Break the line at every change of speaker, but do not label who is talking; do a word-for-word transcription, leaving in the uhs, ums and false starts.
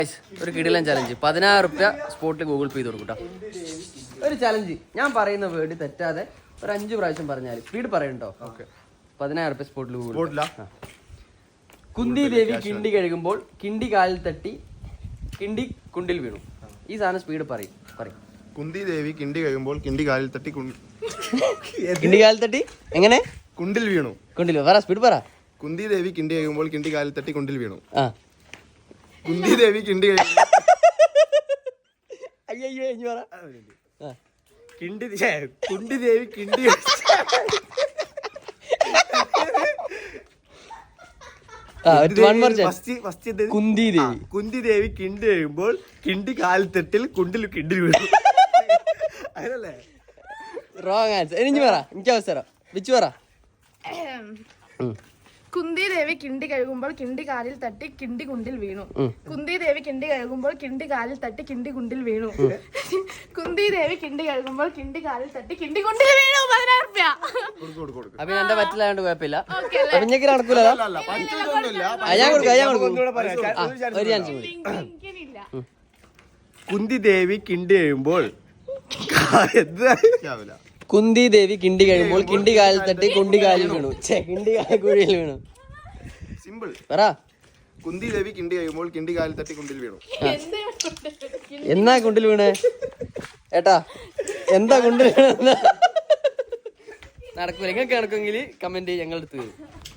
ഒരു കിടിലൻ ചലഞ്ച്. പതിനായിരം റുപ്യ സ്പോട്ടിൽ ഗൂഗിൾ പേ ചെയ്ത് കൊടുക്കൂട്ടോ. ഒരു ചലഞ്ച് ഞാൻ പറയുന്ന വേർഡ് തെറ്റാതെ ഒരു അഞ്ച് പ്രാവശ്യം പറഞ്ഞാൽ സ്പീഡ് പറയണ്ടോ? പതിനായിരം റുപ്യ സ്പോട്ടിൽ ഗൂഗിൾ. കുന്തി ദേവി കിണ്ടി കഴുകുമ്പോൾ കിണ്ടി കാലിൽ തട്ടി കിണ്ടി കുണ്ടിൽ വീണു. ഈ സാധനം സ്പീഡ് പറയും പറയും.
കുന്തി ദേവി കിണ്ടി കഴുകുമ്പോൾ കിണ്ടി കാലിൽ തട്ടി
കിണ്ടി കാലിൽ തട്ടി എങ്ങനെ
കുണ്ടിൽ വീണു.
കുണ്ടിൽ പറ, സ്പീഡ് പറ.
കുന്തി ദേവി കിണ്ടി കഴുകുമ്പോൾ കിണ്ടി കാലിൽ തട്ടി കുണ്ടിൽ വീണു.
ആ
കുന്തി ദേവി കിണ്ടി കഴുകുമ്പോൾ
അയ്യോ ഇനി പറ.
കിണ്ടി കുണ്ടി ദേവി കിണ്ടി
കുന്തി ദേവി
കുന്തി ദേവി കിണ്ടി കഴിയുമ്പോൾ കിണ്ടി കാലിൽ തട്ടിൽ കുണ്ടിൽ കിണ്ടി വീണു. അങ്ങനല്ലേ?
Wrong answer. എനിക്ക് പറ, എനിക്ക് അവസരം. വിച്ചു പറ.
കുന്തി ദേവി കിണ്ടി കഴുകുമ്പോൾ കിണ്ടി കാലിൽ തട്ടി കിണ്ടി കുണ്ടിൽ വീണു. കുന്തി ദേവി കിണ്ടി കഴുകുമ്പോൾ കിണ്ടി കാലിൽ തട്ടി കിണ്ടി കുണ്ടിൽ വീണു. കുന്തി ദേവി കിണ്ടി കഴുകുമ്പോൾ കിണ്ടി കാലിൽ തട്ടി കിണ്ടി കുണ്ടിൽ വീണു. പതിനായിരം റുപ്യ.
അപ്പൊ എന്റെ പറ്റില്ലാണ്ട് കുഴപ്പമില്ല. അപ്പൊ ഇങ്ങനെ നടക്കൂലോ. ഞാൻ കൊടുക്കാം, ഞാൻ കൊടുക്കും. ഒരു ചാൻസ് കൂടി.
കുന്തി ദേവി കിണ്ടി കഴിയുമ്പോൾ
കുന്തി ദേവി കിണ്ടി കഴിയുമ്പോൾ കിണ്ടി കാലിൽ തട്ടി കുണ്ടി കാലിൽ വീണു. ഛേ, കിണ്ടി കുഴിയിൽ വീണു.
സിമ്പിൾ
പറ.
കുന്തി ദേവി കിണ്ടി കഴിയുമ്പോൾ കിണ്ടി കാലിൽ തട്ടി കുണ്ടിൽ വീണു.
എന്നാ കുണ്ടിൽ വീണേ ഏട്ടാ? എന്താ കുണ്ടിൽ വീണ? നടക്കൂല. നിങ്ങൾക്ക് നടക്കുമെങ്കിൽ കമന്റ് ഞങ്ങളുടെ അടുത്ത് വരും.